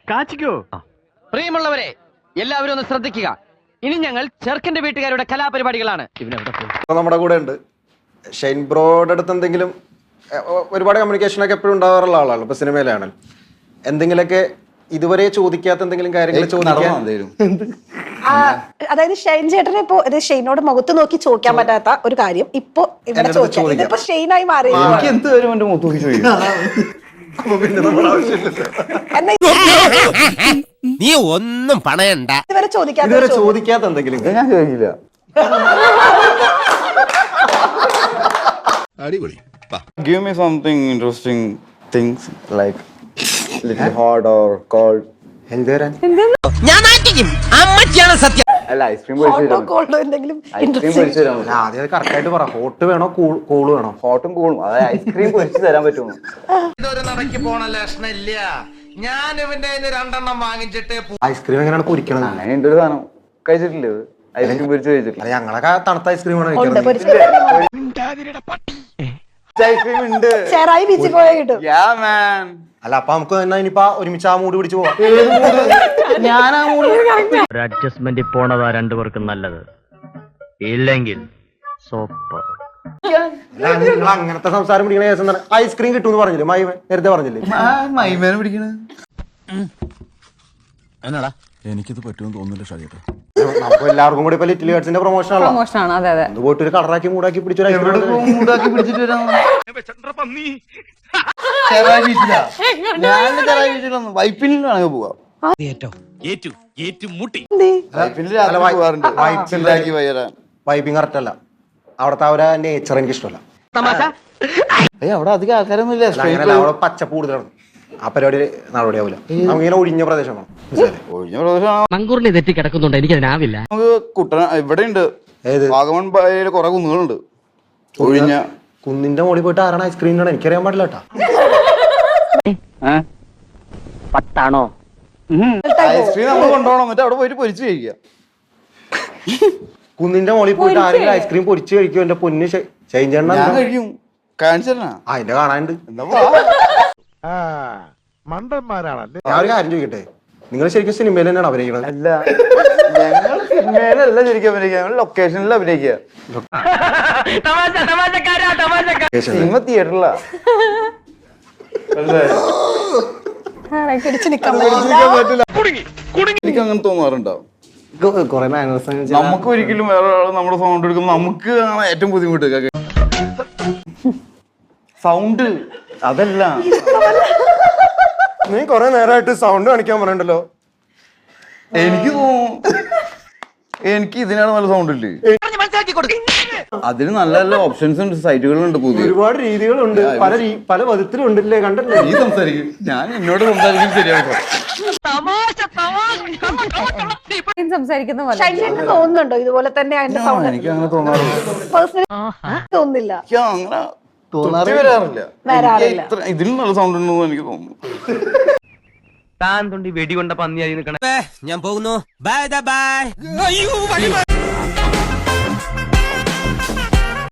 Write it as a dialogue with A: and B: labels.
A: കാച്ചിക്കോ.
B: പ്രിയമുള്ളവരെ, എല്ലാവരും ഒന്ന് ശ്രദ്ധിക്കുക. ഇനി ഞങ്ങൾ ചെറുക്കന്റെ വീട്ടുകാരുടെ കലാപരിപാടികളാണ്.
C: നമ്മുടെ കൂടെ ഉണ്ട് ഷൈൻ ബ്രോയുടെ അടുത്ത് എന്തെങ്കിലും ഒരുപാട് കമ്മ്യൂണിക്കേഷനൊക്കെ എപ്പോഴും ഉണ്ടാവാറുള്ള ആളാണ്. ഇപ്പൊ സിനിമയിലാണെങ്കിൽ എന്തെങ്കിലുമൊക്കെ ഇതുവരെ ചോദിക്കാത്ത എന്തെങ്കിലും കാര്യങ്ങൾ ചോദിക്കാൻ,
D: അതായത് ഷൈൻ ചേട്ടനെ ഇപ്പൊ ഷെയ്നോട് മുഖത്ത് നോക്കി ചോദിക്കാൻ പറ്റാത്ത ഒരു കാര്യം ഇപ്പൊ ഇവിടെ ചോദിക്കാം. ഇപ്പൊ ഷെയ്നായി മാറി.
E: നീ ഒന്നും പണയണ്ട.
D: ഇതുവരെ
C: ചോദിക്കാത്ത എന്തെങ്കിലും
F: ഞാൻ ചോദിക്കില്ല.
E: അടിപൊളി.
F: Give me something interesting things like little hot or cold.
C: എന്തുവരാൻ
E: ഞാൻ നാട്ടിക്കും. അമ്മച്ചിയാണ് സത്യം.
F: അല്ല ഐസ്ക്രീം പൊരിച്ചു തരാം.
C: ആദ്യം കറക്റ്റ് ആയിട്ട് പറ. ഹോട്ട് വേണോ കൂള് വേണോ?
F: ഹോട്ടും കൂളും, അതായത് ഐസ്ക്രീം പൊരിച്ചു തരാൻ പറ്റുമോ?
E: ഇതൊരു നടക്ക് പോണ ലക്ഷണില്ല. ഞാൻ ഇവന്റെ രണ്ടെണ്ണം വാങ്ങിച്ചിട്ട്
C: ഐസ്ക്രീം എങ്ങനെയാണ് പൊരിക്കണത്?
F: അങ്ങനെ ഉണ്ട് ഒരു സാധനം. കഴിച്ചിട്ടില്ലേ ഐസ്ക്രീം പൊരിച്ചു കഴിച്ചിട്ടില്ല?
C: ഞങ്ങളൊക്കെ തണുത്ത ഐസ്ക്രീം ആണ്
F: ഐസ്ക്രീം ഉണ്ട്.
D: ചേറായി ബീച്ചിൽ പോയാൽ കിട്ടും.
C: അല്ല, അപ്പൊ നമുക്ക് തന്നെ ഇനിയിപ്പോ ഒരുമിച്ച് ആ മൂട് പിടിച്ച് പോവാം.
F: ഞാൻ ആ മൂട്
A: ഒരു അഡ്ജസ്റ്റ്മെന്റ് പോണതാ രണ്ടുപേർക്കും നല്ലത്. ഇല്ലെങ്കിൽ സോപ്പ്.
C: നിങ്ങൾ അങ്ങനത്തെ സംസാരം പിടിക്കണ കേസ് എന്താണ്? ഐസ്ക്രീം കിട്ടുമെന്ന് പറഞ്ഞില്ലേ മൈമൻ? നേരത്തെ പറഞ്ഞില്ലേ
F: മൈമേനെ പിടിക്കണ?
E: എന്നാടാ
G: എനിക്കിത് പറ്റുമെന്ന് തോന്നുന്നില്ല ഷാജിയേട്ടാ.
C: നമുക്ക് എല്ലാവർക്കും കൂടി ഇപ്പൊ ലിറ്റിൽ ഹേർട്സിന്റെ പ്രൊമോഷൻ
H: ആണ്. അതെ അതെ.
C: പോയിട്ട് ഒരു കളറാക്കി മൂടാക്കി
F: മൂടാക്കി പിടിച്ചിട്ട് വരാം. വൈപ്പിനിലാണെങ്കിൽ പോവാം.
C: വൈബിങ് കറക്റ്റ് അല്ല. അവിടത്തെ അവരെ നേച്ചർ എനിക്ക് ഇഷ്ടമല്ല.
F: അവിടെ അധികം ആൾക്കാരൊന്നും ഇല്ല.
C: അവിടെ പച്ചപ്പ് കൂടുതലാണ്. ആ പരിപാടി നടപടിയാവില്ല. നമുക്കിങ്ങനെ ഒഴിഞ്ഞ പ്രദേശമാണ്.
F: ഒഴിഞ്ഞ പ്രദേശമാണ്.
B: മങ്കൂറിനെ തെറ്റി കിടക്കുന്നുണ്ട്, എനിക്കതിനാവില്ല.
F: നമുക്ക് കുട്ടന ഇവിടെ ഉണ്ട്. വാഗമൺ ബൈയില് കുറെ കുന്നുകളുണ്ട്. ഒഴിഞ്ഞ
C: കുന്നിന്റെ മുകളിൽ പോയിട്ട് ആരാണ് ഐസ്ക്രീം? എനിക്കറിയാൻ പാടില്ല കേട്ടാ.
B: പത്താണോ?
F: ഐസ്ക്രീം നമ്മൾ കൊണ്ടുപോകണം, എന്നിട്ട് അവിടെ പോയിട്ട് പൊരിച്ചു കഴിക്കുക.
C: കുന്നിന്റെ മുകളിൽ പോയിട്ട് ആരെങ്കിലും ഐസ്ക്രീം പൊരിച്ചു കഴിക്കും? എന്റെ പൊന്ന് ചേഞ്ച്
F: ഞാൻ കഴിക്കും. കാണിച്ചാ
C: അതിന്റെ കാണാനുണ്ട്.
G: മണ്ടന്മാരാണല്ലേ.
C: ഞാൻ ഒരു കാര്യം ചോദിക്കട്ടെ, നിങ്ങൾ ശരിക്കും സിനിമയിൽ തന്നെയാണ് അഭിനയിക്കുന്നത്?
F: അല്ല, ഞങ്ങൾ സിനിമയിലല്ല ശരിക്കും അഭിനയിക്കുക, ഞങ്ങൾ ലൊക്കേഷനിൽ അഭിനയിക്കുക. സിനിമ തിയേറ്ററിലാ. എനിക്ക് അങ്ങനെ തോന്നാറുണ്ടാവും. നമുക്ക് ഒരിക്കലും വേറെ ഒരാൾ നമ്മുടെ സൗണ്ട് എടുക്കുമ്പോൾ നമുക്ക് ഏറ്റവും ബുദ്ധിമുട്ട് സൗണ്ട്. അതല്ല,
C: നീ കൊറേ നേരമായിട്ട് സൗണ്ട് കാണിക്കാൻ പറയണ്ടല്ലോ.
F: എനിക്ക് തോന്നും എനിക്ക് ഇതിനാണ് നല്ല സൗണ്ട് ഇല്ലേ. അതിന് നല്ല നല്ല ഓപ്ഷൻസ് ഉണ്ട്, സൈറ്റുകളുണ്ട്, പുതിയ ഒരുപാട്
C: രീതികളുണ്ട്, പല വിധത്തിലുണ്ടല്ലേ. കണ്ടല്ലേ
F: നീ സംസാരിക്കും, ഞാൻ എന്നോട് സംസാരിക്കും. ശരിയാട്ടോ,
D: തോന്നുന്നുണ്ടോ ഇതുപോലെ തന്നെ?
F: എനിക്ക് അങ്ങനെ തോന്നാറില്ല.
D: തോന്നുന്നില്ല,
F: അങ്ങനെ വരാറില്ല. ഇതിലും നല്ല സൗണ്ട് ഉണ്ടെന്ന് എനിക്ക് തോന്നുന്നു.
B: താൻ തൊണ്ടി വെടികൊണ്ട പന്നിയായി നിൽക്കണേ.
E: ഞാൻ പോകുന്നു. Bye by.